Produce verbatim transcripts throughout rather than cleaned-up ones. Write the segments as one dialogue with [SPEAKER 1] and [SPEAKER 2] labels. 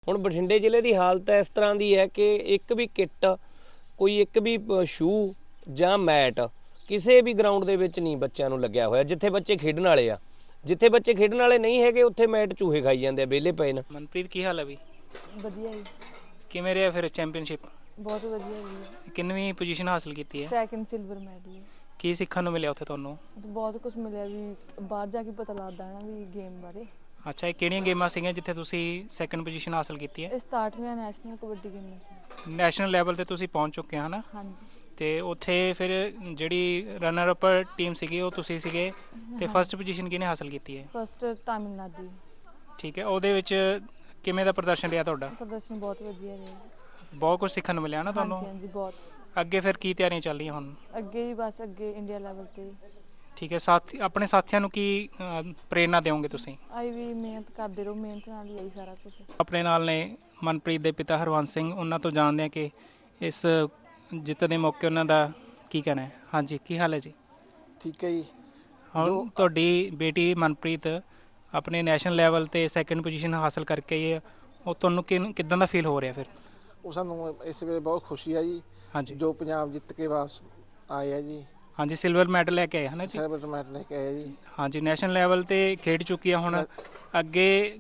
[SPEAKER 1] ਹੁਣ ਬਠਿੰਡੇ ਜ਼ਿਲ੍ਹੇ ਦੀ ਹਾਲਤ ਇਸ ਤਰ੍ਹਾਂ ਦੀ ਹੈ ਕਿ ਇੱਕ ਵੀ ਕਿੱਟ ਕੋਈ ਇੱਕ ਵੀ ਸ਼ੂ ਜਾਂ ਮੈਟ ਕਿਸੇ ਵੀ ਗਰਾਊਂਡ ਦੇ ਵਿੱਚ ਨਹੀਂ ਬੱਚਿਆਂ ਨੂੰ ਲੱਗਿਆ ਹੋਇਆ। ਜਿੱਥੇ ਬੱਚੇ ਖੇਡਣ ਵਾਲੇ ਆ, ਜਿੱਥੇ ਬੱਚੇ ਖੇਡਣ ਵਾਲੇ ਨਹੀਂ ਹੈਗੇ ਉੱਥੇ ਮੈਟ ਚੂਹੇ ਖਾਈ ਜਾਂਦੇ ਆ, ਵਿਹਲੇ ਪਏ ਨੇ।
[SPEAKER 2] ਮਨਪ੍ਰੀਤ ਕੀ ਹਾਲ ਹੈ ਵੀ?
[SPEAKER 3] ਵਧੀਆ ਜੀ।
[SPEAKER 2] ਕਿਵੇਂ ਰਿਹਾ ਫਿਰ ਚੈਂਪੀਅਨਸ਼ਿਪ?
[SPEAKER 3] ਬਹੁਤ ਵਧੀਆ ਜੀ।
[SPEAKER 2] ਕਿੰਨਵੀਂ ਪੋਜੀਸ਼ਨ ਹਾਸਲ ਕੀਤੀ ਹੈ?
[SPEAKER 3] Second silver medal.
[SPEAKER 2] ਕੀ ਸਿੱਖਣ ਨੂੰ ਮਿਲਿਆ ਉੱਥੇ ਤੁਹਾਨੂੰ?
[SPEAKER 3] ਬਹੁਤ ਕੁਝ ਮਿਲਿਆ ਵੀ, ਬਾਹਰ ਜਾ ਕੇ ਪਤਾ ਲੱਗਦਾ ਹੈ ਨਾ ਵੀ ਗੇਮ ਬਾਰੇ।
[SPEAKER 2] ਅੱਛਾ, ਇਹ ਕਿਹੜੀਆਂ ਗੇਮਾਂ ਸੀਗੀਆਂ ਜਿੱਥੇ ਤੁਸੀਂ ਸੈਕਿੰਡ ਪੋਜੀਸ਼ਨ ਹਾਸਲ ਕੀਤੀ ਹੈ?
[SPEAKER 3] ਇਹ ਸਤਾਰਵੀਂ ਨੈਸ਼ਨਲ ਕਬੱਡੀ ਗੇਮ ਸੀ।
[SPEAKER 2] ਨੈਸ਼ਨਲ ਲੈਵਲ ਤੇ ਤੁਸੀਂ ਪਹੁੰਚ ਚੁੱਕੇ ਹੋ ਹਨਾ?
[SPEAKER 3] ਹਾਂਜੀ।
[SPEAKER 2] ਤੇ ਉੱਥੇ ਫਿਰ ਜਿਹੜੀ ਰਨਰ ਅਪ ਟੀਮ ਸੀਗੀ ਉਹ ਤੁਸੀਂ ਸੀਗੇ, ਤੇ ਫਸਟ ਪੋਜੀਸ਼ਨ ਕਿਹਨੇ ਹਾਸਲ ਕੀਤੀ ਹੈ?
[SPEAKER 3] ਫਸਟ ਤਾਮਿਲਨਾਡੂ।
[SPEAKER 2] ਠੀਕ ਹੈ, ਉਹਦੇ ਵਿੱਚ ਕਿਵੇਂ ਦਾ ਪ੍ਰਦਰਸ਼ਨ ਰਿਹਾ ਤੁਹਾਡਾ?
[SPEAKER 3] ਪ੍ਰਦਰਸ਼ਨ ਬਹੁਤ ਵਧੀਆ ਰਿਹਾ।
[SPEAKER 2] ਬਹੁਤ ਕੁਝ ਸਿੱਖਣ ਨੂੰ ਮਿਲਿਆ ਨਾ ਤੁਹਾਨੂੰ?
[SPEAKER 3] ਹਾਂਜੀ ਹਾਂਜੀ, ਬਹੁਤ।
[SPEAKER 2] ਅੱਗੇ ਫਿਰ ਕੀ ਤਿਆਰੀਆਂ ਚੱਲ ਰਹੀਆਂ ਹੁਣ?
[SPEAKER 3] ਅੱਗੇ ਹੀ ਬਸ ਅੱਗੇ ਇੰਡੀਆ ਲੈਵਲ ਤੇ।
[SPEAKER 2] ਠੀਕ ਹੈ, ਸਾਥੀ ਆਪਣੇ ਸਾਥੀਆਂ ਨੂੰ ਕੀ ਪ੍ਰੇਰਨਾ ਦਿਓਗੇ ਤੁਸੀਂ?
[SPEAKER 3] ਆਈ ਵੀ ਮਿਹਨਤ ਕਰਦੇ ਰਹੋ, ਮਿਹਨਤ ਨਾਲ ਹੀ ਆਈ ਸਾਰਾ ਕੁਝ। ਆਪਣੇ
[SPEAKER 2] ਨਾਲ ਨੇ ਮਨਪ੍ਰੀਤ ਦੇ ਪਿਤਾ ਹਰਵੰਸ ਸਿੰਘ, ਉਹਨਾਂ ਤੋਂ ਜਾਣਦੇ ਹਾਂ ਕਿ ਇਸ ਜਿੱਤ ਦੇ ਮੌਕੇ ਉਹਨਾਂ ਦਾ ਕੀ ਕਹਿਣਾ ਹੈ। ਹਾਂਜੀ, ਕੀ ਹਾਲ ਹੈ ਜੀ?
[SPEAKER 4] ਠੀਕ ਹੈ ਜੀ।
[SPEAKER 2] ਹੁਣ ਤੁਹਾਡੀ ਬੇਟੀ ਮਨਪ੍ਰੀਤ ਆਪਣੇ ਨੈਸ਼ਨਲ ਲੈਵਲ ਤੇ ਸੈਕਿੰਡ ਪੋਜੀਸ਼ਨ ਹਾਸਲ ਕਰਕੇ ਆਈ ਹੈ, ਉਹ ਤੁਹਾਨੂੰ ਕਿ ਕਿੱਦਾਂ ਦਾ ਫੀਲ ਹੋ ਰਿਹਾ ਫਿਰ?
[SPEAKER 4] ਉਹ ਸਾਨੂੰ ਇਸ ਵੇਲੇ ਬਹੁਤ ਖੁਸ਼ੀ ਹੈ ਜੀ।
[SPEAKER 2] ਹਾਂਜੀ,
[SPEAKER 4] ਜੋ ਪੰਜਾਬ ਜਿੱਤ ਕੇ ਵਾਪਸ ਆਏ ਆ ਜੀ।
[SPEAKER 2] ਹਾਂਜੀ, ਸਿਲਵਰ ਮੈਡਲ ਲੈ ਕੇ ਆਏ ਹਨ ਜੀ।
[SPEAKER 4] ਸਿਲਵਰ ਮੈਡਲ ਲੈ ਕੇ ਆਏ ਜੀ।
[SPEAKER 2] ਹਾਂਜੀ, ਨੈਸ਼ਨਲ ਲੈਵਲ ਤੇ ਖੇਡ ਚੁੱਕੀ ਆ। ਹੁਣ ਅੱਗੇ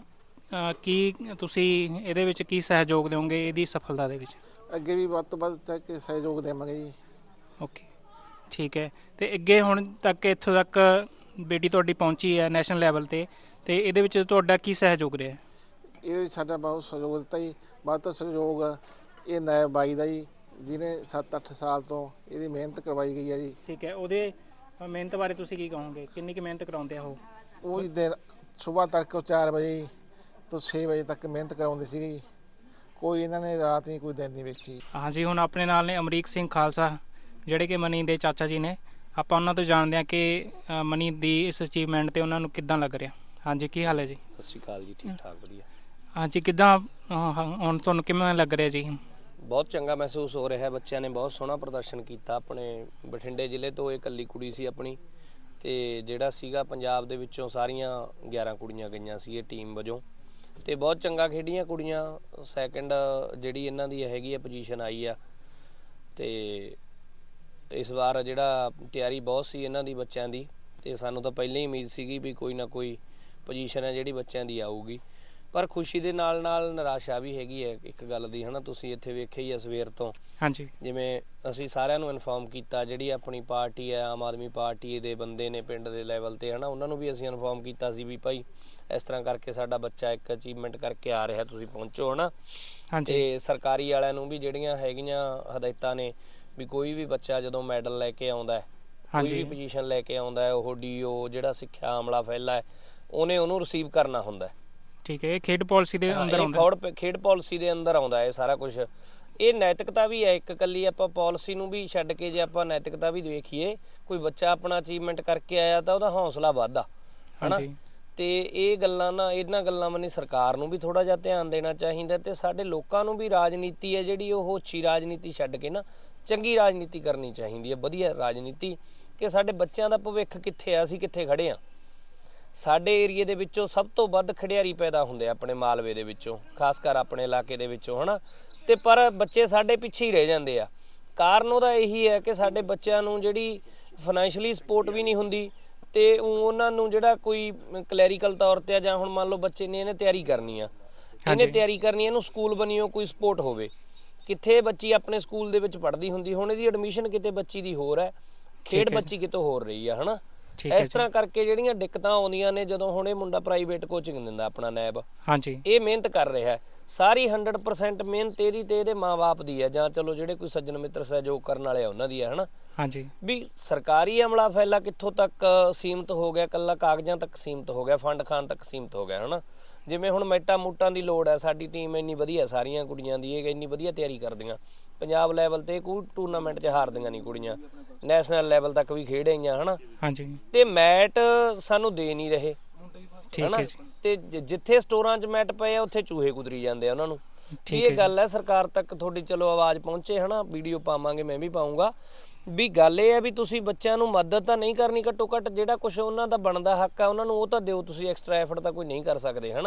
[SPEAKER 2] ਕੀ ਤੁਸੀਂ ਇਹਦੇ ਵਿੱਚ ਕੀ ਸਹਿਯੋਗ ਦਿਓਗੇ ਇਹਦੀ ਸਫਲਤਾ ਦੇ ਵਿੱਚ?
[SPEAKER 4] ਅੱਗੇ ਵੀ ਵੱਧ ਤੋਂ ਵੱਧ ਤੱਕ ਸਹਿਯੋਗ ਦੇਵਾਂਗੇ ਜੀ।
[SPEAKER 2] ਓਕੇ, ਠੀਕ ਹੈ। ਤੇ ਅੱਗੇ ਹੁਣ ਤੱਕ ਇੱਥੋਂ ਤੱਕ ਬੇਟੀ ਤੁਹਾਡੀ ਪਹੁੰਚੀ ਹੈ ਨੈਸ਼ਨਲ ਲੈਵਲ ਤੇ, ਤੇ ਇਹਦੇ ਵਿੱਚ ਤੁਹਾਡਾ ਕੀ ਸਹਿਯੋਗ ਰਿਹਾ?
[SPEAKER 4] ਇਹਦੇ ਵਿੱਚ ਸਾਡਾ ਬਹੁਤ ਸਹਿਯੋਗ ਦਿੱਤਾ ਜੀ। ਵੱਧ ਤੋਂ ਸਹਿਯੋਗ ਇਹ ਨਾਇਬ ਬਾਈ ਦਾ ਜੀ, ਜਿਹਨੇ ਸੱਤ ਅੱਠ ਸਾਲ ਤੋਂ ਇਹਦੀ ਮਿਹਨਤ ਕਰਵਾਈ ਗਈ ਹੈ ਜੀ।
[SPEAKER 2] ਠੀਕ ਹੈ, ਉਹਦੇ ਮਿਹਨਤ ਬਾਰੇ ਤੁਸੀਂ ਕੀ ਕਹੋਗੇ? ਕਿੰਨੀ ਕੁ ਮਿਹਨਤ ਕਰਾਉਂਦੇ ਆ ਉਹ?
[SPEAKER 4] ਉਹ ਦਿਨ ਸੁਬਾਹ ਤੜਕੇ ਚਾਰ ਵਜੇ ਤੋਂ ਛੇ ਵਜੇ ਤੱਕ ਮਿਹਨਤ ਕਰਾਉਂਦੇ ਸੀਗੇ ਜੀ। ਕੋਈ ਇਹਨਾਂ ਨੇ ਰਾਤ ਨਹੀਂ ਕੋਈ ਦਿਨ ਨਹੀਂ ਵੇਖੀ।
[SPEAKER 2] ਹਾਂਜੀ, ਹੁਣ ਆਪਣੇ ਨਾਲ ਨੇ ਅਮਰੀਕ ਸਿੰਘ ਖਾਲਸਾ, ਜਿਹੜੇ ਕਿ ਮਨੀ ਦੇ ਚਾਚਾ ਜੀ ਨੇ। ਆਪਾਂ ਉਹਨਾਂ ਤੋਂ ਜਾਣਦੇ ਹਾਂ ਕਿ ਮਨੀ ਦੀ ਇਸ ਅਚੀਵਮੈਂਟ 'ਤੇ ਉਹਨਾਂ ਨੂੰ ਕਿੱਦਾਂ ਲੱਗ ਰਿਹਾ। ਹਾਂਜੀ, ਕੀ ਹਾਲ ਹੈ ਜੀ?
[SPEAKER 1] ਸਤਿ ਸ਼੍ਰੀ ਅਕਾਲ ਜੀ। ਠੀਕ ਠਾਕ, ਵਧੀਆ।
[SPEAKER 2] ਹਾਂਜੀ, ਕਿੱਦਾਂ ਹੁਣ ਤੁਹਾਨੂੰ ਕਿਵੇਂ ਲੱਗ ਰਿਹਾ ਜੀ?
[SPEAKER 1] ਬਹੁਤ ਚੰਗਾ ਮਹਿਸੂਸ ਹੋ ਰਿਹਾ। ਬੱਚਿਆਂ ਨੇ ਬਹੁਤ ਸੋਹਣਾ ਪ੍ਰਦਰਸ਼ਨ ਕੀਤਾ। ਆਪਣੇ ਬਠਿੰਡੇ ਜ਼ਿਲ੍ਹੇ ਤੋਂ ਇਹ ਇਕੱਲੀ ਕੁੜੀ ਸੀ ਆਪਣੀ, ਤੇ ਜਿਹੜਾ ਸੀਗਾ ਪੰਜਾਬ ਦੇ ਵਿੱਚੋਂ ਸਾਰੀਆਂ ਗਿਆਰਾਂ ਕੁੜੀਆਂ ਗਈਆਂ ਸੀ ਇਹ ਟੀਮ ਵਜੋਂ, ਤੇ ਬਹੁਤ ਚੰਗਾ ਖੇਡੀਆਂ ਕੁੜੀਆਂ। ਸੈਕਿੰਡ ਜਿਹੜੀ ਇਹਨਾਂ ਦੀ ਹੈਗੀ ਆ ਪੋਜੀਸ਼ਨ ਆਈ ਆ। ਤੇ ਇਸ ਵਾਰ ਜਿਹੜਾ ਤਿਆਰੀ ਬਹੁਤ ਸੀ ਇਹਨਾਂ ਦੀ ਬੱਚਿਆਂ ਦੀ, ਤੇ ਸਾਨੂੰ ਤਾਂ ਪਹਿਲਾਂ ਹੀ ਉਮੀਦ ਸੀਗੀ ਵੀ ਕੋਈ ਨਾ ਕੋਈ ਪੋਜੀਸ਼ਨ ਹੈ ਜਿਹੜੀ ਬੱਚਿਆਂ ਦੀ ਆਊਗੀ। ਪਰ ਖੁਸ਼ੀ ਦੇ ਨਾਲ ਨਾਲ ਨਿਰਾਸ਼ਾ ਵੀ ਹੈਗੀ ਹੈ ਇੱਕ ਗੱਲ ਦੀ, ਹੈ ਨਾ। ਤੁਸੀਂ ਇੱਥੇ ਵੇਖਿਆ ਹੀ ਆ ਸਵੇਰ ਤੋਂ। ਹਾਂਜੀ, ਜਿਵੇਂ ਅਸੀਂ ਸਾਰਿਆਂ ਨੂੰ ਇਨਫੋਰਮ ਕੀਤਾ, ਜਿਹੜੀ ਆਪਣੀ ਪਾਰਟੀ ਹੈ ਆਮ ਆਦਮੀ ਪਾਰਟੀ ਦੇ ਬੰਦੇ ਨੇ ਪਿੰਡ ਦੇ ਲੈਵਲ 'ਤੇ, ਹੈ ਨਾ, ਉਹਨਾਂ ਨੂੰ ਵੀ ਅਸੀਂ ਇਨਫੋਰਮ ਕੀਤਾ ਸੀ ਵੀ ਭਾਈ ਇਸ ਤਰ੍ਹਾਂ ਕਰਕੇ ਸਾਡਾ ਬੱਚਾ ਇੱਕ ਅਚੀਵਮੈਂਟ ਕਰਕੇ ਆ ਰਿਹਾ, ਤੁਸੀਂ ਪਹੁੰਚੋ, ਹੈ ਨਾ। ਅਤੇ ਸਰਕਾਰੀ ਵਾਲਿਆਂ ਨੂੰ ਵੀ ਜਿਹੜੀਆਂ ਹੈਗੀਆਂ ਹਦਾਇਤਾਂ ਨੇ ਵੀ ਕੋਈ ਵੀ ਬੱਚਾ ਜਦੋਂ ਮੈਡਲ ਲੈ ਕੇ ਆਉਂਦਾ ਹੈ, ਕੋਈ ਵੀ ਪੋਜੀਸ਼ਨ ਲੈ ਕੇ ਆਉਂਦਾ ਹੈ, ਉਹ ਡੀ ਓ ਜਿਹੜਾ ਸਿੱਖਿਆ ਅਮਲਾ ਫੈਲਾ ਹੈ ਉਹਨੇ ਉਹਨੂੰ ਰਿਸੀਵ ਕਰਨਾ ਹੁੰਦਾ। ਠੀਕ ਹੈ, ਇਹ ਖੇਡ ਪਾਲਿਸੀ ਦੇ ਅੰਦਰ ਆਉਂਦਾ। ਖੇਡ ਪਾਲਿਸੀ ਦੇ ਅੰਦਰ ਆਉਂਦਾ ਹੈ ਸਾਰਾ ਕੁਝ। ਇਹ ਨੈਤਿਕਤਾ ਵੀ ਹੈ ਇੱਕ ਇਕੱਲੀ। ਆਪਾਂ ਪਾਲਿਸੀ ਨੂੰ ਵੀ ਛੱਡ ਕੇ ਜੇ ਆਪਾਂ ਨੈਤਿਕਤਾ ਵੀ ਦੇਖੀਏ, ਕੋਈ ਬੱਚਾ ਆਪਣਾ ਅਚੀਵਮੈਂਟ ਕਰਕੇ ਆਇਆ ਤਾਂ ਉਹਦਾ ਹੌਸਲਾ ਵੱਧਦਾ, ਹੈ ਨਾ। ਅਤੇ ਇਹ ਗੱਲਾਂ ਨਾ ਇਹਨਾਂ ਗੱਲਾਂ ਵੱਲ ਸਰਕਾਰ ਨੂੰ ਵੀ ਥੋੜ੍ਹਾ ਜਿਹਾ ਧਿਆਨ ਦੇਣਾ ਚਾਹੀਦਾ, ਅਤੇ ਸਾਡੇ ਲੋਕਾਂ ਨੂੰ ਵੀ ਰਾਜਨੀਤੀ ਹੈ ਜਿਹੜੀ ਉਹ ਉੱਚੀ ਰਾਜਨੀਤੀ ਛੱਡ ਕੇ ਨਾ ਚੰਗੀ ਰਾਜਨੀਤੀ ਕਰਨੀ ਚਾਹੀਦੀ ਹੈ, ਵਧੀਆ ਰਾਜਨੀਤੀ, ਕਿ ਸਾਡੇ ਬੱਚਿਆਂ ਦਾ ਭਵਿੱਖ ਕਿੱਥੇ ਆ, ਅਸੀਂ ਕਿੱਥੇ ਖੜ੍ਹੇ ਹਾਂ। ਸਾਡੇ ਏਰੀਏ ਦੇ ਵਿੱਚੋਂ ਸਭ ਤੋਂ ਵੱਧ ਖਿਡਾਰੀ ਪੈਦਾ ਹੁੰਦੇ ਆ ਆਪਣੇ ਮਾਲਵੇ ਦੇ ਵਿੱਚੋਂ, ਖਾਸ ਕਰ ਆਪਣੇ ਇਲਾਕੇ ਦੇ ਵਿੱਚੋਂ, ਹੈ ਨਾ। ਅਤੇ ਪਰ ਬੱਚੇ ਸਾਡੇ ਪਿੱਛੇ ਹੀ ਰਹਿ ਜਾਂਦੇ ਆ। ਕਾਰਨ ਉਹਦਾ ਇਹੀ ਹੈ ਕਿ ਸਾਡੇ ਬੱਚਿਆਂ ਨੂੰ ਜਿਹੜੀ ਫਾਈਨੈਂਸ਼ਲੀ ਸਪੋਰਟ ਵੀ ਨਹੀਂ ਹੁੰਦੀ, ਅਤੇ ਉਹਨਾਂ ਨੂੰ ਜਿਹੜਾ ਕੋਈ ਕਲੈਰੀਕਲ ਤੌਰ 'ਤੇ ਆ, ਜਾਂ ਹੁਣ ਮੰਨ ਲਓ ਬੱਚੇ ਨੇ ਇਹਨੇ ਤਿਆਰੀ ਕਰਨੀ ਆ, ਇਹਨੇ ਤਿਆਰੀ ਕਰਨੀ, ਇਹਨੂੰ ਸਕੂਲ ਬਣੀਓ ਕੋਈ ਸਪੋਰਟ ਹੋਵੇ। ਕਿੱਥੇ ਬੱਚੀ ਆਪਣੇ ਸਕੂਲ ਦੇ ਵਿੱਚ ਪੜ੍ਹਦੀ ਹੁੰਦੀ, ਹੁਣ ਇਹਦੀ ਐਡਮਿਸ਼ਨ ਕਿਤੇ ਬੱਚੀ ਦੀ ਹੋਰ ਹੈ, ਖੇਡ ਬੱਚੀ ਕਿਤੋਂ ਹੋਰ ਰਹੀ ਆ, ਹੈ ਨਾ। ਇਸ ਤਰ੍ਹਾਂ ਕਰਕੇ ਜਿਹੜੀਆਂ ਦਿੱਕਤਾਂ ਆਉਂਦੀਆਂ ਨੇ, ਜਦੋਂ ਹੁਣ ਇਹ ਮੁੰਡਾ ਪ੍ਰਾਈਵੇਟ ਕੋਚਿੰਗ ਦਿੰਦਾ ਆਪਣਾ ਨੈਬ, ਹਾਂਜੀ, ਇਹ ਮਿਹਨਤ ਕਰ ਰਿਹਾ ਸਾਰੀ ਹੰਡਰਡ ਪਰਸੈਂਟ ਮਿਹਨਤ ਇਹਦੀ ਤੇ ਇਹਦੇ ਮਾਂ ਬਾਪ ਦੀ ਹੈ, ਜਾਂ ਚਲੋ ਜਿਹੜੇ ਕੋਈ ਸੱਜਣ ਮਿੱਤਰ ਸਹਿਯੋਗ ਕਰਨ ਵਾਲੇ ਆ ਉਹਨਾਂ ਦੀ ਹੈ, ਹੈ ਨਾ। ਹਾਂਜੀ, ਵੀ ਸਰਕਾਰੀ ਅਮਲਾ ਫੈਲਾ ਕਿੱਥੋਂ ਤੱਕ ਸੀਮਤ ਹੋ ਗਿਆ, ਇਕੱਲਾ ਕਾਗਜ਼ਾਂ ਤੱਕ ਸੀਮਤ ਹੋ ਗਿਆ, ਫੰਡ ਖਾਣ ਤੱਕ ਸੀਮਤ ਹੋ ਗਿਆ, ਹੈ ਨਾ। ਜਿਵੇਂ ਹੁਣ ਮੈਟਾਂ ਮੂਟਾਂ ਦੀ ਲੋੜ ਹੈ, ਸਾਡੀ ਟੀਮ ਇੰਨੀ ਵਧੀਆ ਸਾਰੀਆਂ ਕੁੜੀਆਂ ਦੀ, ਇਹ ਇੰਨੀ ਵਧੀਆ ਤਿਆਰੀ ਕਰਦੀਆਂ, ਪੰਜਾਬ ਲੈਵਲ 'ਤੇ ਕੋਈ ਟੂਰਨਾਮੈਂਟ 'ਚ ਹਾਰਦੀਆਂ ਨਹੀਂ ਕੁੜੀਆਂ, ਨੈਸ਼ਨਲ ਲੈਵਲ ਤੱਕ ਵੀ ਖੇਡ ਆਈਆਂ, ਹੈ ਨਾ। ਹਾਂਜੀ, ਅਤੇ ਮੈਟ ਸਾਨੂੰ ਦੇ ਨਹੀਂ ਰਹੇ, ਹੈ ਨਾ। ਅਤੇ ਜਿੱਥੇ ਸਟੋਰਾਂ 'ਚ ਮੈਟ ਪਏ ਆ ਉੱਥੇ ਚੂਹੇ ਕੁਤਰੀ ਜਾਂਦੇ ਆ ਉਹਨਾਂ ਨੂੰ। ਇਹ ਗੱਲ ਹੈ ਸਰਕਾਰ ਤੱਕ ਤੁਹਾਡੀ ਚਲੋ ਆਵਾਜ਼ ਪਹੁੰਚੇ, ਹੈ ਨਾ। ਵੀਡੀਓ ਪਾਵਾਂਗੇ, ਮੈਂ ਵੀ ਪਾਊਂਗਾ, ਵੀ ਗੱਲ ਇਹ ਹੈ ਵੀ ਤੁਸੀਂ ਬੱਚਿਆਂ ਨੂੰ ਮਦਦ ਤਾਂ ਨਹੀਂ ਕਰਨੀ, ਘੱਟੋ ਘੱਟ ਜਿਹੜਾ ਕੁਛ ਉਹਨਾਂ ਦਾ ਬਣਦਾ ਹੱਕ ਆ ਉਹਨਾਂ ਨੂੰ ਉਹ ਤਾਂ ਦਿਓ ਤੁਸੀਂ। ਐਕਸਟਰਾ ਐਫਰਟ ਤਾਂ ਕੋਈ ਨਹੀਂ ਕਰ ਸਕਦੇ, ਹੈ ਨਾ।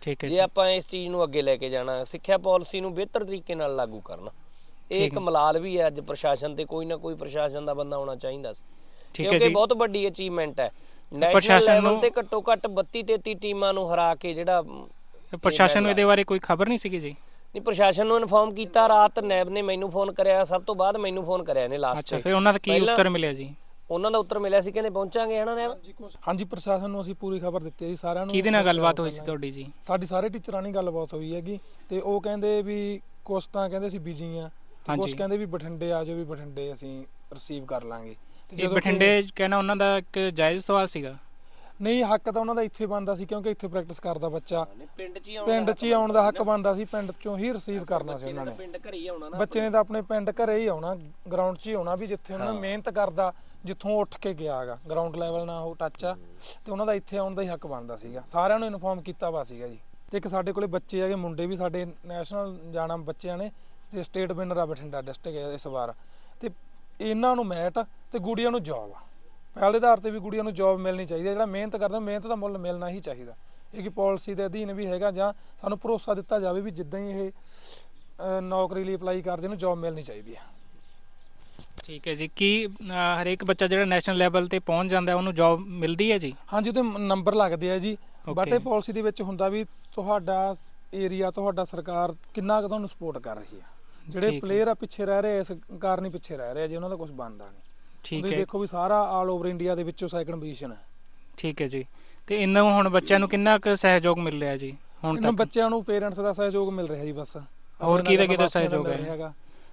[SPEAKER 2] ਠੀਕ ਹੈ
[SPEAKER 1] ਜੇ
[SPEAKER 2] ਜੀ
[SPEAKER 1] ਆਪਾਂ ਇਸ ਚੀਜ਼ ਨੂੰ ਅੱਗੇ ਲੈ ਕੇ ਜਾਣਾ, ਸਿੱਖਿਆ ਪਾਲਿਸੀ ਨੂੰ ਬਿਹਤਰ ਤਰੀਕੇ ਨਾਲ ਲਾਗੂ ਕਰਨਾ, ਇਹ ਇੱਕ ਮਲਾਲ ਵੀ ਹੈ ਅੱਜ ਪ੍ਰਸ਼ਾਸਨ ਤੇ, ਕੋਈ ਨਾ ਕੋਈ ਪ੍ਰਸ਼ਾਸਨ ਦਾ ਬੰਦਾ ਹੋਣਾ ਚਾਹੀਦਾ ਸੀ,
[SPEAKER 2] ਠੀਕ ਹੈ
[SPEAKER 1] ਕਿਉਂਕਿ
[SPEAKER 2] ਜੀ
[SPEAKER 1] ਬਹੁਤ ਵੱਡੀ ਅਚੀਵਮੈਂਟ ਹੈ। ਨੈਸ਼ਨਲ
[SPEAKER 2] ਪ੍ਰਸ਼ਾਸਨ
[SPEAKER 1] ਲੈਵਲ
[SPEAKER 2] ਨੂੰ
[SPEAKER 1] ਤੇ ਘੱਟੋ ਘੱਟ ਬੱਤੀ ਤੇਤੀ ਟੀਮਾਂ ਨੂੰ ਹਰਾ ਕੇ ਜਿਹੜਾ
[SPEAKER 2] ਪ੍ਰਸ਼ਾਸਨ ਨੂੰ ਇਹਦੇ ਬਾਰੇ ਕੋਈ ਖਬਰ ਨਹੀਂ ਸੀਗੀ ਜੀ?
[SPEAKER 1] ਨਹੀਂ, ਪ੍ਰਸ਼ਾਸਨ ਨੂੰ ਇਨਫੋਰਮ ਕੀਤਾ, ਰਾਤ ਨੈਬ ਨੇ ਮੈਨੂੰ ਫੋਨ ਕਰਿਆ, ਸਭ ਤੋਂ ਬਾਅਦ ਮੈਨੂੰ ਫੋਨ ਕਰਿਆ ਨੇ ਲਾਸਟ
[SPEAKER 2] ਅੱਛਾ,
[SPEAKER 1] ਤੇ।
[SPEAKER 2] ਫਿਰ ਉਹਨਾਂ ਦਾ ਕੀ ਉੱਤਰ ਮਿਲਿਆ ਜੀ?
[SPEAKER 1] ਉਹਨਾਂ ਦਾ ਉੱਤਰ ਮਿਲਿਆ ਸੀ, ਕਹਿੰਦੇ ਪਹੁੰਚਾਂਗੇ ਹਨਾ ਨੈਬ।
[SPEAKER 5] ਹਾਂਜੀ, ਪ੍ਰਸ਼ਾਸਨ ਨੂੰ ਅਸੀਂ ਪੂਰੀ ਖਬਰ ਦਿੱਤੀ ਹੈ ਜੀ ਸਾਰਿਆਂ ਨੂੰ।
[SPEAKER 2] ਕਿਹਦੇ ਨਾਲ ਗੱਲਬਾਤ ਹੋਈ ਸੀ ਤੁਹਾਡੀ ਜੀ?
[SPEAKER 5] ਸਾਡੀ ਸਾਰੇ ਟੀਚਰਾਂ ਨਾਲ ਗੱਲਬਾਤ ਹੋਈ ਹੈਗੀ, ਤੇ ਉਹ ਕਹਿੰਦੇ ਵੀ ਕੁਛ ਤਾਂ ਕਹਿੰਦੇ ਅਸੀਂ ਬਿਜੀ ਆ, ਤੇ ਕੁਛ ਕਹਿੰਦੇ ਵੀ ਬਠਿੰਡੇ ਆ ਜਾਓ, ਵੀ ਬਠਿੰਡੇ ਅਸੀਂ ਰਿਸੀਵ ਕਰ ਲਾਂਗੇ। ਤੇ
[SPEAKER 2] ਜਦੋਂ ਬਠਿੰਡੇ ਕਹਿਣਾ ਉਹਨਾਂ ਦਾ ਇੱਕ ਜਾਇਜ਼ ਸਵਾਲ ਸੀਗਾ?
[SPEAKER 5] ਨਹੀਂ, ਹੱਕ ਤਾਂ ਉਹਨਾਂ ਦਾ ਇੱਥੇ ਬਣਦਾ ਸੀ, ਕਿਉਂਕਿ ਇੱਥੇ ਪ੍ਰੈਕਟਿਸ ਕਰਦਾ ਬੱਚਾ,
[SPEAKER 1] ਪਿੰਡ 'ਚ ਹੀ
[SPEAKER 5] ਪਿੰਡ 'ਚ ਹੀ ਆਉਣ ਦਾ ਹੱਕ ਬਣਦਾ ਸੀ, ਪਿੰਡ 'ਚੋਂ ਹੀ ਰਿਸੀਵ ਕਰਨਾ ਸੀ ਉਹਨਾਂ ਨੇ।
[SPEAKER 1] ਪਿੰਡ ਘਰੇ ਹੀ ਆਉਣਾ ਨਾ,
[SPEAKER 5] ਬੱਚੇ ਨੇ ਤਾਂ ਆਪਣੇ ਪਿੰਡ ਘਰੇ ਹੀ ਆਉਣਾ, ਗਰਾਊਂਡ 'ਚ ਹੀ ਆਉਣਾ, ਵੀ ਜਿੱਥੇ ਉਹਨਾਂ ਮਿਹਨਤ ਕਰਦਾ, ਜਿੱਥੋਂ ਉੱਠ ਕੇ ਗਿਆ ਹੈਗਾ, ਗਰਾਊਂਡ ਲੈਵਲ ਨਾਲ ਉਹ ਟੱਚ ਆ, ਤੇ ਉਹਨਾਂ ਦਾ ਇੱਥੇ ਆਉਣ ਦਾ ਹੀ ਹੱਕ ਬਣਦਾ ਸੀਗਾ। ਸਾਰਿਆਂ ਨੂੰ ਇਨਫੋਰਮ ਕੀਤਾ ਵਾ ਸੀਗਾ ਜੀ। ਤੇ ਇੱਕ ਸਾਡੇ ਕੋਲੇ ਬੱਚੇ ਹੈਗੇ, ਮੁੰਡੇ ਵੀ ਸਾਡੇ ਨੈਸ਼ਨਲ ਜਾਣਾ ਬੱਚਿਆਂ ਨੇ, ਤੇ ਸਟੇਟ ਵਿਨਰ ਆ ਬਠਿੰਡਾ ਡਿਸਟ੍ਰਿਕਟ ਇਸ ਵਾਰ। ਤੇ ਇਹਨਾਂ ਨੂੰ ਮੈਟ ਤੇ ਗੁੜੀਆਂ ਨੂੰ ਜੌਬ ਆ, ਪਹਿਲ ਦੇ ਆਧਾਰ ਤੇ ਵੀ ਗੁੜੀਆਂ ਨੂੰ ਜੌਬ ਮਿਲਣੀ ਚਾਹੀਦੀ ਹੈ। ਜਿਹੜਾ ਮਿਹਨਤ ਕਰਦਾ, ਮਿਹਨਤ ਦਾ ਮੁੱਲ ਮਿਲਣਾ ਹੀ ਚਾਹੀਦਾ। ਇਹ ਕਿ ਪਾਲਿਸੀ ਦੇ ਅਧੀਨ ਵੀ ਹੈਗਾ, ਜਾਂ ਸਾਨੂੰ ਭਰੋਸਾ ਦਿੱਤਾ ਜਾਵੇ ਵੀ ਜਿੱਦਾਂ ਹੀ ਇਹ ਨੌਕਰੀ ਲਈ ਅਪਲਾਈ ਕਰਦੇ ਨੂੰ ਜੌਬ ਮਿਲਣੀ ਚਾਹੀਦੀ ਹੈ।
[SPEAKER 2] ਠੀਕ ਹੈ ਜੀ। ਕੀ ਹਰੇਕ ਬੱਚਾ ਜਿਹੜਾ ਨੈਸ਼ਨਲ ਲੈਵਲ ਤੇ ਪਹੁੰਚ ਜਾਂਦਾ ਉਹਨੂੰ ਜੌਬ ਮਿਲਦੀ ਹੈ ਜੀ?
[SPEAKER 5] ਹਾਂਜੀ, ਉਹਦੇ ਨੰਬਰ ਲੱਗਦੇ ਆ ਜੀ, ਬਟ ਇਹ ਪਾਲਿਸੀ ਦੇ ਵਿੱਚ ਹੁੰਦਾ ਵੀ ਤੁਹਾਡਾ ਏਰੀਆ, ਤੁਹਾਡਾ ਸਰਕਾਰ ਕਿੰਨਾ ਕੁ ਤੁਹਾਨੂੰ ਸਪੋਰਟ ਕਰ ਰਹੀ ਆ। ਜਿਹੜੇ ਪਲੇਅਰ ਆ ਪਿੱਛੇ ਰਹਿ ਰਹੇ, ਇਸ ਕਾਰਨ ਹੀ ਪਿੱਛੇ ਰਹਿ ਰਹੇ ਆ ਜੀ, ਉਹਨਾਂ ਦਾ ਕੁਝ ਬਣਦਾ ਨਹੀਂ।
[SPEAKER 2] ਠੀਕ ਹੈ,
[SPEAKER 5] ਦੇਖੋ ਵੀ ਸਾਰਾ ਆਲ ਓਵਰ ਇੰਡੀਆ ਦੇ ਵਿੱਚੋਂ ਸੈਕੰਡ ਪੋਜੀਸ਼ਨ ਹੈ।
[SPEAKER 2] ਠੀਕ ਹੈ ਜੀ। ਤੇ ਇਹਨਾਂ ਹੁਣ ਬੱਚਿਆਂ ਨੂੰ ਕਿੰਨਾ ਕੁ ਸਹਿਯੋਗ ਮਿਲ ਰਿਹਾ ਜੀ ਹੁਣ
[SPEAKER 5] ਇਹਨਾਂ
[SPEAKER 2] ਤੱਕ?
[SPEAKER 5] ਬੱਚਿਆਂ ਨੂੰ ਪੇਰੈਂਟਸ ਦਾ ਸਹਿਯੋਗ ਮਿਲ ਰਿਹਾ ਜੀ ਬਸ।
[SPEAKER 2] ਹੋਰ ਕਿਹਦਾ ਕਿਹਦਾ ਸਹਿਯੋਗ ਹੈ?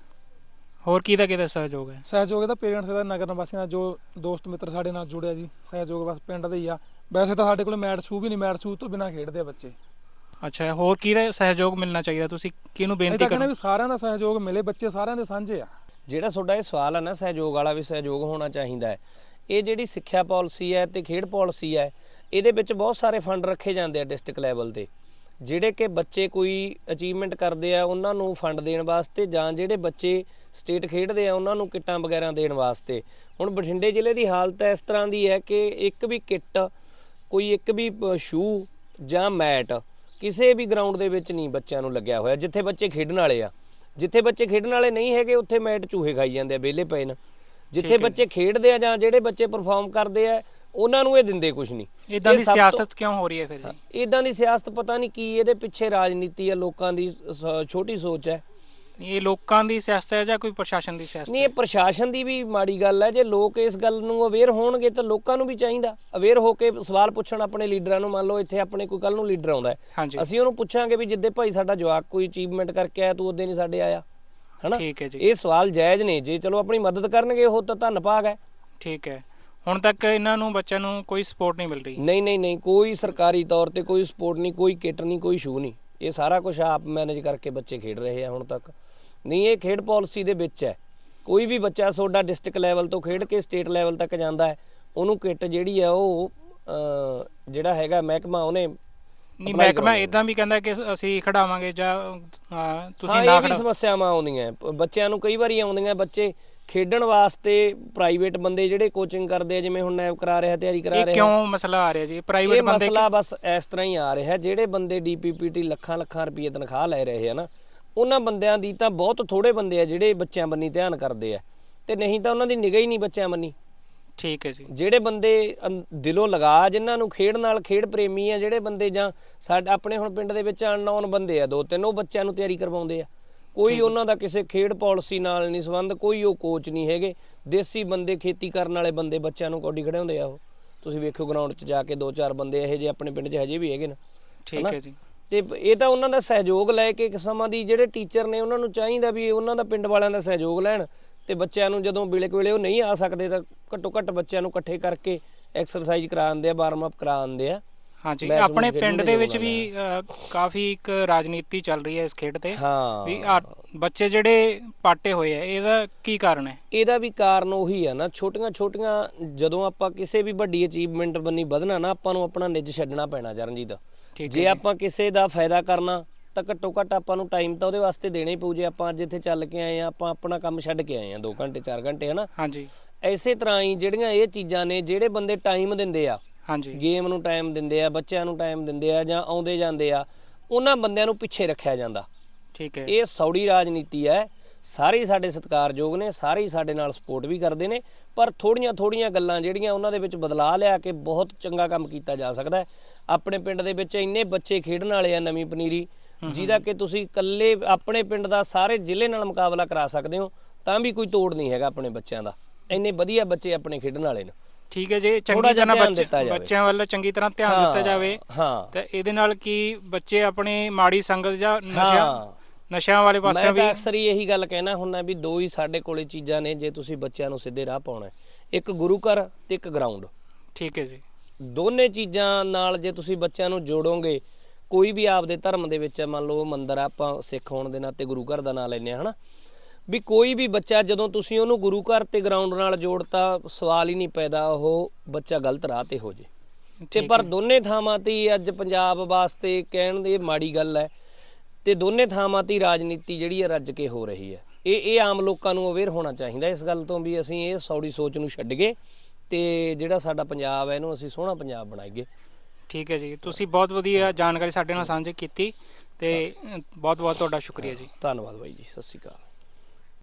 [SPEAKER 2] ਹੋਰ ਕਿਹਦਾ ਕਿਹਦਾ ਸਹਿਯੋਗ ਹੈ?
[SPEAKER 5] ਸਹਿਯੋਗ ਇਹਦਾ ਪੇਰੈਂਟਸ ਦਾ, ਨਗਰ ਨਿਵਾਸੀਆਂ ਦਾ, ਜੋ ਦੋਸਤ ਮਿੱਤਰ ਸਾਡੇ ਨਾਲ ਜੁੜਿਆ ਜੀ। ਸਹਿਯੋਗ ਬਸ ਪਿੰਡ ਦੇ ਹੀ ਆ। ਵੈਸੇ ਤਾਂ ਸਾਡੇ ਕੋਲ ਮੈਟ ਸ਼ੂ ਵੀ ਨਹੀਂ, ਮੈਟ ਸ਼ੂ ਤੋਂ ਬਿਨਾਂ ਖੇਡਦੇ ਆ ਬੱਚੇ।
[SPEAKER 2] ਅੱਛਾ, ਹੋਰ ਕਿਹਦਾ ਸਹਿਯੋਗ ਮਿਲਣਾ ਚਾਹੀਦਾ? ਤੁਸੀਂ ਕਿਹਨੂੰ ਬੇਨਤੀ ਕਰੋ?
[SPEAKER 5] ਵੀ ਸਾਰਿਆਂ ਦਾ ਸਹਿਯੋਗ ਮਿਲੇ, ਬੱਚੇ ਸਾਰਿਆਂ ਦੇ ਸਾਂਝੇ ਆ।
[SPEAKER 1] ਜਿਹੜਾ ਤੁਹਾਡਾ ਇਹ ਸਵਾਲ ਹੈ ਨਾ, ਸਹਿਯੋਗ ਵਾਲਾ ਵੀ ਸਹਿਯੋਗ ਹੋਣਾ ਚਾਹੀਦਾ ਹੈ। ਇਹ ਜਿਹੜੀ ਸਿੱਖਿਆ ਪਾਲਿਸੀ ਹੈ ਤੇ ਖੇਡ ਪਾਲਿਸੀ ਹੈ, ਇਹਦੇ ਵਿੱਚ ਬਹੁਤ ਸਾਰੇ ਫੰਡ ਰੱਖੇ ਜਾਂਦੇ ਆ ਡਿਸਟ੍ਰਿਕਟ ਲੈਵਲ ਤੇ, ਜਿਹੜੇ ਕਿ ਬੱਚੇ ਕੋਈ ਅਚੀਵਮੈਂਟ ਕਰਦੇ ਆ ਉਹਨਾਂ ਨੂੰ ਫੰਡ ਦੇਣ ਵਾਸਤੇ, ਜਾਂ ਜਿਹੜੇ ਬੱਚੇ ਸਟੇਟ ਖੇਡਦੇ ਆ ਉਹਨਾਂ ਨੂੰ ਕਿੱਟਾਂ ਵਗੈਰਾ ਦੇਣ ਵਾਸਤੇ। ਹੁਣ ਬਠਿੰਡੇ ਜ਼ਿਲ੍ਹੇ ਦੀ ਹਾਲਤ ਇਸ ਤਰ੍ਹਾਂ ਦੀ ਹੈ ਕਿ ਇੱਕ ਵੀ ਕਿੱਟ, ਕੋਈ ਇੱਕ ਵੀ ਸ਼ੂ ਜਾਂ ਮੈਟ ਕਿਸੇ ਵੀ ਗਰਾਊਂਡ ਦੇ ਵਿੱਚ ਨਹੀਂ ਬੱਚਿਆਂ ਨੂੰ ਲੱਗਿਆ ਹੋਇਆ, ਜਿੱਥੇ ਬੱਚੇ ਖੇਡਣ ਵਾਲੇ ਆ। ਜਿੱਥੇ ਬੱਚੇ ਖੇਡਣ ਵਾਲੇ ਨਹੀਂ ਹੈਗੇ ਉੱਥੇ ਮੈਟ ਚੂਹੇ ਖਾਈ ਜਾਂਦੇ ਆ, ਵਿਹਲੇ ਪਏ ਨੇ। ਜਿੱਥੇ ਬੱਚੇ ਖੇਡਦੇ ਆ ਜਾਂ ਜਿਹੜੇ ਬੱਚੇ ਪਰਫਾਰਮ ਕਰਦੇ ਆ, ਉਹਨਾਂ ਨੂੰ ਇਹ ਦਿੰਦੇ ਕੁਝ ਨਹੀਂ।
[SPEAKER 2] ਇਦਾਂ ਦੀ ਸਿਆਸਤ ਕਿਉਂ ਹੋ ਰਹੀ ਹੈ ਫਿਰ ਜੀ?
[SPEAKER 1] ਇਦਾਂ ਦੀ ਸਿਆਸਤ ਪਤਾ ਨਹੀਂ ਕੀ, ਇਹਦੇ ਪਿੱਛੇ ਰਾਜਨੀਤੀ ਆ, ਲੋਕਾਂ ਦੀ ਛੋਟੀ ਸੋਚ ਹੈ।
[SPEAKER 2] ਇਹ ਲੋਕਾਂ ਦੀ ਸਿਆਸਤ ਹੈ ਜਾਂ ਕੋਈ ਪ੍ਰਸ਼ਾਸਨ ਦੀ ਸਿਆਸਤ?
[SPEAKER 1] ਨਹੀਂ, ਇਹ ਪ੍ਰਸ਼ਾਸਨ ਦੀ ਵੀ ਮਾੜੀ ਗੱਲ ਹੈ। ਜੇ ਲੋਕ ਇਸ ਗੱਲ ਨੂੰ ਅਵੇਅਰ ਹੋਣਗੇ ਤਾਂ ਲੋਕਾਂ ਨੂੰ ਵੀ ਚਾਹੀਦਾ ਅਵੇਅਰ ਹੋ ਕੇ ਸਵਾਲ ਪੁੱਛਣ ਆਪਣੇ ਲੀਡਰਾਂ ਨੂੰ। ਮੰਨ ਲਓ ਇੱਥੇ ਆਪਣੇ ਕੋਈ ਕੱਲ ਨੂੰ ਲੀਡਰ ਆਉਂਦਾ, ਅਸੀਂ ਉਹਨੂੰ ਪੁੱਛਾਂਗੇ ਵੀ ਜਿੱਦੇ ਭਾਈ ਸਾਡਾ ਜਵਾਕ ਕੋਈ ਅਚੀਵਮੈਂਟ ਕਰਕੇ ਆਇਆ, ਤੂੰ ਉਹਦੇ ਨਹੀਂ ਸਾਡੇ ਆਇਆ, ਹਨਾ?
[SPEAKER 2] ਠੀਕ ਹੈ ਜੀ।
[SPEAKER 1] ਇਹ ਸਵਾਲ ਜਾਇਜ਼ ਨੇ। ਜੇ ਚਲੋ ਆਪਣੀ ਮਦਦ ਕਰਨਗੇ ਉਹ ਤਾਂ ਧੰਨ ਭਾਗ ਹੈ।
[SPEAKER 2] ਠੀਕ ਹੈ। ਹੁਣ ਤੱਕ ਇਹਨਾਂ ਨੂੰ ਬੱਚਿਆਂ ਨੂੰ ਕੋਈ ਸਪੋਰਟ ਨਹੀਂ ਮਿਲ ਰਹੀ?
[SPEAKER 1] ਨਹੀਂ ਨਹੀਂ ਨਹੀਂ, ਕੋਈ ਸਰਕਾਰੀ ਤੌਰ ਤੇ ਕੋਈ ਸਪੋਰਟ ਨਹੀਂ, ਕੋਈ ਕਿੱਟ ਨਹੀਂ, ਕੋਈ ਸ਼ੂ ਨਹੀਂ। ਇਹ ਸਾਰਾ ਕੁਝ ਆਪ ਮੈਨੇਜ ਕਰਕੇ ਬੱਚੇ ਖੇਡ ਰਹੇ ਆ ਹੁਣ ਤੱਕ। ਨਹੀਂ, ਇਹ ਖੇਡ ਪਾਲਿਸੀ ਦੇ ਵਿੱਚ ਹੈ। ਕੋਈ ਵੀ ਬੱਚਾ ਤੁਹਾਡਾ ਡਿਸਟ੍ਰਿਕਟ ਲੈਵਲ ਤੋਂ ਖੇਡ ਕੇ ਸਟੇਟ ਲੈਵਲ ਤੱਕ ਜਾਂਦਾ ਹੈ, ਉਹਨੂੰ ਕਿੱਟ ਜਿਹੜੀ ਹੈ ਉਹ ਜਿਹੜਾ ਹੈਗਾ ਮਹਿਕਮਾ ਉਹਨੇ
[SPEAKER 2] ਨਹੀਂ, ਮਹਿਕਮਾ ਇਦਾਂ ਵੀ ਕਹਿੰਦਾ ਕਿ ਅਸੀਂ ਖੜਾਵਾਂਗੇ ਜਾਂ ਤੁਸੀਂ ਨਾ ਖੜਾ।
[SPEAKER 1] ਸਮੱਸਿਆਵਾਂ ਆਉਂਦੀਆਂ ਬੱਚਿਆਂ ਨੂੰ, ਕਈ ਵਾਰੀ ਆਉਂਦੀਆਂ। ਬੱਚੇ ਖੇਡਣ ਵਾਸਤੇ ਪ੍ਰਾਈਵੇਟ ਬੰਦੇ ਜਿਹੜੇ ਕੋਚਿੰਗ ਕਰਦੇ ਆ, ਜਿਵੇਂ ਹੁਣ ਨੈਬ ਕਰਾ ਰਿਹਾ, ਤਿਆਰੀ ਕਰਾ ਰਿਹਾ।
[SPEAKER 2] ਇਹ ਕਿਉਂ ਮਸਲਾ ਆ ਰਿਹਾ ਜੀ? ਪ੍ਰਾਈਵੇਟ ਬੰਦੇ
[SPEAKER 1] ਮਸਲਾ ਬਸ ਇਸ ਤਰ੍ਹਾਂ ਹੀ ਆ ਰਿਹਾ, ਜਿਹੜੇ ਬੰਦੇ ਡੀਪੀਪੀਟੀ ਲੱਖਾਂ ਲੱਖਾਂ ਰੁਪਏ ਤਨਖਾਹ ਲੈ ਰਹੇ ਆ ਨਾ, ਉਹਨਾਂ ਬੰਦਿਆਂ ਦੀ ਤਾਂ ਬਹੁਤ ਥੋੜੇ ਬੰਦੇ ਆ ਜਿਹੜੇ ਬੱਚਿਆਂ ਬੰਨੀ ਧਿਆਨ ਕਰਦੇ ਆ, ਤੇ ਨਹੀਂ ਤਾਂ ਉਹਨਾਂ ਦੀ ਨਿਗਾਹ ਹੀ ਨਹੀਂ ਬੱਚਿਆਂ ਬੰਨੀ।
[SPEAKER 2] ਠੀਕ ਹੈ ਜੀ।
[SPEAKER 1] ਜਿਹੜੇ ਬੰਦੇ ਦਿਲੋਂ ਲਗਾ, ਜਿਨ੍ਹਾਂ ਨੂੰ ਖੇਡ ਨਾਲ, ਖੇਡ ਪ੍ਰੇਮੀ ਆ ਜਿਹੜੇ ਬੰਦੇ, ਜਾਂ ਸਾਡੇ ਆਪਣੇ ਹੁਣ ਪਿੰਡ ਦੇ ਵਿੱਚ ਅਨਨੋਨ ਬੰਦੇ ਆ ਦੋ ਤਿੰਨ, ਉਹ ਬੱਚਿਆਂ ਨੂੰ ਤਿਆਰੀ ਕਰਵਾਉਂਦੇ ਆ। ਕੋਈ ਉਹਨਾਂ ਦਾ ਕਿਸੇ ਖੇਡ ਪਾਲਿਸੀ ਨਾਲ ਨਹੀਂ ਸੰਬੰਧ, ਕੋਈ ਉਹ ਕੋਚ ਨਹੀਂ ਹੈਗੇ। ਦੇਸੀ ਬੰਦੇ, ਖੇਤੀ ਕਰਨ ਵਾਲੇ ਬੰਦੇ ਬੱਚਿਆਂ ਨੂੰ ਕੌਡੀ ਖੜਾਉਂਦੇ ਆ। ਉਹ ਤੁਸੀਂ ਵੇਖੋ ਗਰਾਊਂਡ 'ਚ ਜਾ ਕੇ, ਦੋ ਚਾਰ ਬੰਦੇ ਇਹੋ ਜਿਹੇ ਆਪਣੇ ਪਿੰਡ 'ਚ ਹਜੇ ਵੀ ਹੈਗੇ ਨੇ।
[SPEAKER 2] ਠੀਕ ਹੈ ਜੀ।
[SPEAKER 1] ਤੇ ਇਹ ਤਾਂ ਉਹਨਾਂ ਦਾ ਸਹਿਯੋਗ ਲੈ ਕੇ ਕਿਸਮਾਂ ਦੀ, ਜਿਹੜੇ ਟੀਚਰ ਨੇ ਉਹਨਾਂ ਨੂੰ ਚਾਹੀਦਾ ਵੀ ਉਹਨਾਂ ਦਾ ਪਿੰਡ ਵਾਲਿਆਂ ਦਾ ਸਹਿਯੋਗ ਲੈਣ, ਤੇ ਬੱਚਿਆਂ ਨੂੰ ਜਦੋਂ ਵੇਲੇ ਵੇਲੇ ਉਹ ਨਹੀਂ ਆ ਸਕਦੇ ਤਾਂ ਘੱਟੋ ਘੱਟ ਬੱਚਿਆਂ ਨੂੰ ਇਕੱਠੇ ਕਰਕੇ ਐਕਸਰਸਾਈਜ਼ ਕਰਾਉਂਦੇ ਆ, ਵਾਰਮ ਅਪ ਕਰਾਉਂਦੇ ਆ।
[SPEAKER 2] ਹਾਂਜੀ, ਆਪਣੇ ਪਿੰਡ ਦੇ ਵਿੱਚ ਵੀ ਕਾਫੀ ਇੱਕ ਰਾਜਨੀਤੀ ਚੱਲ ਰਹੀ ਹੈ ਇਸ ਖੇਡ ਤੇ।
[SPEAKER 1] ਹਾਂ,
[SPEAKER 2] ਵੀ ਬੱਚੇ ਜਿਹੜੇ ਪਾਟੇ ਹੋਏ ਆ, ਇਹਦਾ ਕੀ ਕਾਰਨ ਹੈ?
[SPEAKER 1] ਇਹਦਾ ਵੀ ਕਾਰਨ ਉਹੀ ਆ ਨਾ, ਛੋਟੀਆਂ ਛੋਟੀਆਂ, ਜਦੋਂ ਆਪਾਂ ਕਿਸੇ ਵੀ ਵੱਡੀ ਅਚੀਵਮੈਂਟ ਬੰਨੀ ਵਧਣਾ ਨਾ, ਆਪਾਂ ਨੂੰ ਆਪਣਾ ਨਿੱਜ ਛੱਡਣਾ ਪੈਣਾ ਚਰਨਜੀਤ। ਜੇ ਆਪਾਂ ਕਿਸੇ ਦਾ ਫਾਇਦਾ ਕਰਨਾ ਤਾਂ ਘੱਟੋ ਘੱਟ ਆਪਾਂ ਨੂੰ ਟਾਈਮ ਤਾਂ ਉਹਦੇ ਵਾਸਤੇ ਦੇਣਾ ਹੀ ਪਊ। ਜੇ ਆਪਾਂ ਅੱਜ ਇੱਥੇ ਚੱਲ ਕੇ ਆਏ ਆ, ਆਪਾਂ ਆਪਣਾ ਕੰਮ ਛੱਡ ਕੇ ਆਏ ਆ ਦੋ ਘੰਟੇ ਚਾਰ ਘੰਟੇ, ਹਨਾ?
[SPEAKER 2] ਹਾਂਜੀ।
[SPEAKER 1] ਇਸੇ ਤਰ੍ਹਾਂ ਹੀ ਜਿਹੜੀਆਂ ਇਹ ਚੀਜ਼ਾਂ ਨੇ, ਜਿਹੜੇ ਬੰਦੇ ਟਾਈਮ ਦਿੰਦੇ ਆ,
[SPEAKER 2] ਹਾਂਜੀ,
[SPEAKER 1] ਗੇਮ ਨੂੰ ਟਾਈਮ ਦਿੰਦੇ ਆ, ਬੱਚਿਆਂ ਨੂੰ ਟਾਈਮ ਦਿੰਦੇ ਆ, ਜਾਂ ਆਉਂਦੇ ਜਾਂਦੇ ਆ, ਉਹਨਾਂ ਬੰਦਿਆਂ ਨੂੰ ਪਿੱਛੇ ਰੱਖਿਆ ਜਾਂਦਾ।
[SPEAKER 2] ਠੀਕ ਹੈ।
[SPEAKER 1] ਇਹ ਸੌੜੀ ਰਾਜਨੀਤੀ ਹੈ। ਸਾਰੇ ਹੀ ਸਾਡੇ ਸਤਿਕਾਰਯੋਗ ਨੇ, ਸਾਰੇ ਹੀ ਸਾਡੇ ਨਾਲ ਸਪੋਰਟ ਵੀ ਕਰਦੇ ਨੇ, ਪਰ ਥੋੜੀਆਂ ਥੋੜੀਆਂ ਗੱਲਾਂ ਜਿਹੜੀਆਂ ਉਹਨਾਂ ਦੇ ਵਿੱਚ ਬਦਲਾਅ ਲਿਆ ਕੇ ਬਹੁਤ ਚੰਗਾ ਕੰਮ ਕੀਤਾ ਜਾ ਸਕਦਾ ਹੈ। ਆਪਣੇ ਪਿੰਡ ਦੇ ਵਿੱਚ ਇੰਨੇ ਬੱਚੇ ਖੇਡਣ ਵਾਲੇ ਆ ਨਵੀਂ ਪਨੀਰੀ, ਜਿਹਦਾ ਕਿ ਤੁਸੀਂ ਇਕੱਲੇ ਆਪਣੇ ਪਿੰਡ ਦਾ ਸਾਰੇ ਜ਼ਿਲ੍ਹੇ ਨਾਲ ਮੁਕਾਬਲਾ ਕਰਾ ਸਕਦੇ ਹੋ, ਤਾਂ ਵੀ ਕੋਈ ਤੋੜ ਨਹੀਂ ਹੈਗਾ ਆਪਣੇ ਬੱਚਿਆਂ ਦਾ। ਇੰਨੇ ਵਧੀਆ ਬੱਚੇ ਆਪਣੇ ਖੇਡਣ ਵਾਲੇ ਨੇ।
[SPEAKER 2] ਠੀਕ ਹੈ ਜੀ,
[SPEAKER 1] ਥੋੜ੍ਹਾ
[SPEAKER 2] ਚੰਗੀ
[SPEAKER 1] ਜਿਹਾ
[SPEAKER 2] ਤਰ੍ਹਾਂ
[SPEAKER 1] ਧਿਆਨ
[SPEAKER 2] ਬੱਚੇ
[SPEAKER 1] ਦਿੱਤਾ ਜਾਵੇ।
[SPEAKER 2] ਬੱਚਿਆਂ ਵੱਲ ਚੰਗੀ ਤਰ੍ਹਾਂ ਧਿਆਨ ਦਿੱਤਾ ਜਾਵੇ
[SPEAKER 1] ਹਾਂ
[SPEAKER 2] ਤੇ ਇਹਦੇ ਨਾਲ ਕੀ ਬੱਚੇ ਆਪਣੇ ਮਾੜੀ ਸੰਗਤ ਜਾਂ ਨਸ਼ਿਆਂ
[SPEAKER 1] ਹਾਂ
[SPEAKER 2] ਨਸ਼ਿਆਂ ਵਾਲੇ ਪਾਸੇ
[SPEAKER 1] ਮੈਂ
[SPEAKER 2] ਵੀ।
[SPEAKER 1] ਤਾਂ ਅਕਸਰ ਹੀ ਇਹੀ ਗੱਲ ਕਹਿਣਾ ਹੁੰਦਾ ਵੀ ਦੋ ਹੀ ਸਾਡੇ ਕੋਲੇ ਚੀਜ਼ਾਂ ਨੇ ਜੇ ਤੁਸੀਂ ਬੱਚਿਆਂ ਨੂੰ ਸਿੱਧੇ ਰਾਹ ਪਾਉਣਾ ਹੈ, ਇੱਕ ਗੁਰੂ ਘਰ ਤੇ ਇੱਕ ਗਰਾਊਂਡ।
[SPEAKER 2] ਠੀਕ ਹੈ ਜੀ।
[SPEAKER 1] ਦੋਨੇ ਚੀਜ਼ਾਂ ਨਾਲ ਜੇ ਤੁਸੀਂ ਬੱਚਿਆਂ ਨੂੰ ਜੋੜੋਗੇ, ਕੋਈ ਵੀ ਆਪਦੇ ਧਰਮ ਦੇ ਵਿੱਚ ਮੰਨ ਲਓ ਮੰਦਰ ਆ, ਆਪਾਂ ਸਿੱਖ ਹੋਣ ਦੇ ਨਾਤੇ ਗੁਰੂ ਘਰ ਦਾ ਨਾਂ ਲੈਂਦੇ ਹਾਂ ਹਨਾ, ਵੀ ਕੋਈ ਵੀ ਬੱਚਾ ਜਦੋਂ ਤੁਸੀਂ ਉਹਨੂੰ ਗੁਰੂ ਘਰ ਤੇ ਗਰਾਊਂਡ ਨਾਲ ਜੋੜਤਾ, ਸਵਾਲ ਹੀ ਨਹੀਂ ਪੈਦਾ ਉਹ ਬੱਚਾ ਗਲਤ ਰਾਹ ਤੇ ਹੋ ਜੇ। ਤੇ ਪਰ ਦੋਨੇ ਥਾਵਾਂ ਤੇ ਅੱਜ ਪੰਜਾਬ ਵਾਸਤੇ ਕਹਿਣ ਦੀ ਮਾੜੀ ਗੱਲ ਹੈ, ਤੇ ਦੋਨੇ ਥਾਵਾਂ ਤੇ ਰਾਜਨੀਤੀ ਜਿਹੜੀ ਹੈ ਰੱਜ ਕੇ ਹੋ ਰਹੀ ਹੈ। ਇਹ ਇਹ ਆਮ ਲੋਕਾਂ ਨੂੰ ਅਵੇਅਰ ਹੋਣਾ ਚਾਹੀਦਾ ਇਸ ਗੱਲ ਤੋਂ ਵੀ ਅਸੀਂ ਇਹ ਸੌੜੀ ਸੋਚ ਨੂੰ ਛੱਡ ਗਏ ਤੇ ਜਿਹੜਾ ਸਾਡਾ ਪੰਜਾਬ ਹੈ ਇਹਨੂੰ ਅਸੀਂ ਸੋਹਣਾ ਪੰਜਾਬ ਬਣਾਈਏ।
[SPEAKER 2] ਠੀਕ ਹੈ ਜੀ, ਤੁਸੀਂ ਬਹੁਤ ਵਧੀਆ ਜਾਣਕਾਰੀ ਸਾਡੇ ਨਾਲ ਸਾਂਝੀ ਕੀਤੀ ਤੇ ਬਹੁਤ ਬਹੁਤ ਤੁਹਾਡਾ ਸ਼ੁਕਰੀਆ ਜੀ।
[SPEAKER 1] ਧੰਨਵਾਦ ਬਾਈ ਜੀ, ਸਤਿ ਸ਼੍ਰੀ ਅਕਾਲ।